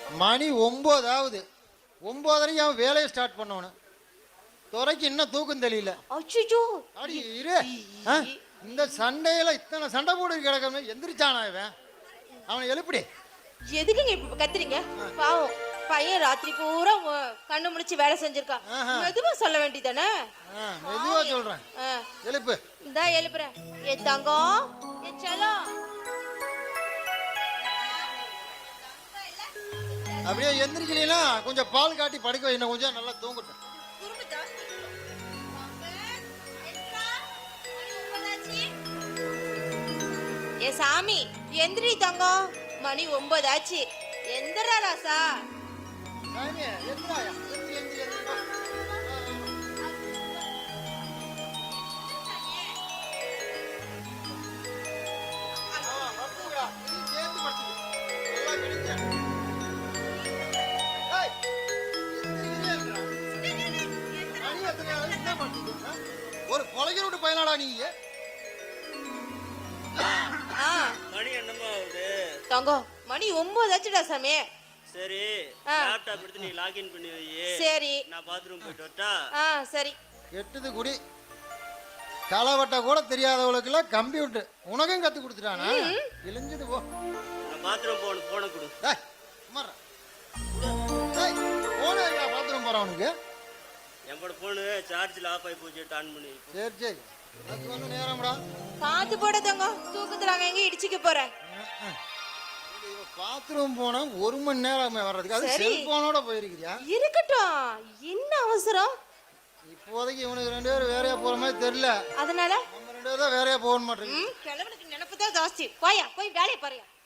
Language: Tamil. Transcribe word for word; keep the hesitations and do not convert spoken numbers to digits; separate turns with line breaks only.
மணி ஒன்பதாவது ஒன்பதரைக்கு அவன் வேலையை ஸ்டார்ட் பண்ணவனு துறைக்கு இன்னும் தூக்கம் தெரியல.
அச்சோ
அடி இரு. இந்த சண்டையில இத்தனை சண்டை போட்டு கிடக்க எந்திரிச்சானா இவன்? அவனை எழுப்பிடி.
எதுக்குங்க இப்ப கத்துறீங்க? பாவம் பையன் ராத்திரி பூரா கண்ணு முடிச்சு வேலை செஞ்சிருக்கான். மெதுவா சொல்ல வேண்டியதானே?
மெதுவா சொல்றேன். எழுப்பு.
இந்தா எழுப்புறேன். ஏ தங்கம், ஏ செல்லம்.
அப்படியே எந்திரிக்கலீனா கொஞ்சம் பால் காட்டி படுக்க வை, இன்னும் கொஞ்சம் நல்லா தூங்கட்டும்.
ஏ சாமி எந்திரி தங்கம், மணி ஒன்பது ஆச்சு. எந்திரா ராசா.
சாமி எந்திராயா, எந்திரி எந்திரி எந்திரி. ஒரு கொலைக்கு விட்டு பயனாடா நீ?
மணி என்னமா ஆகுது?
தங்கம் மணி ஒன்பது ஆச்சுடா சாமி.
சரி லேப்டாப் எடுத்து நீ லாகின் பண்ணி வை.
சரி
நான் பாத்ரூம் போயிட்டு வரட்டா?
ஆ சரி.
எட்டுது குடி களவட்ட கூட தெரியாதவளுக்குள்ள கம்ப்யூட்டர் உனக்கும் கத்து கொடுத்துட்டானா? இழிஞ்சது போ.
நான் பாத்ரூம் போன போன கொடு.
டேய் சும்மாடா. டேய் போன் எங்கடா பாத்ரூம் போறவனுக்கு?
என்னோட போன் சார்ஜ்ல ஆஃப் ஆயி போச்சு, ஆன் பண்ணி.
சரி சரி அது வந்து நேரம்டா.
பாத்து போட தங்கம், தூக்கத்துல அங்க எங்க இடிச்சிக்க போறேன்.
பாத்ரூம் போனா ஒரு மணி நேரம் வர்றதுக்கு அது செல்போனோட போயிருக்கியா?
இருக்கட்டும், என்ன அவசரம்?
இப்போதைக்கு இவனுக்கு ரெண்டு பேரும் வேறையா போற மாதிரி தெரியல.
அதனால
நம்ம ரெண்டு பேரும் தான் வேறையா போக மாட்டேங்குது.
கிழவனுக்கு நினைப்பு தான் ஜாஸ்தி. போயா போய் வேலையை பாருயா.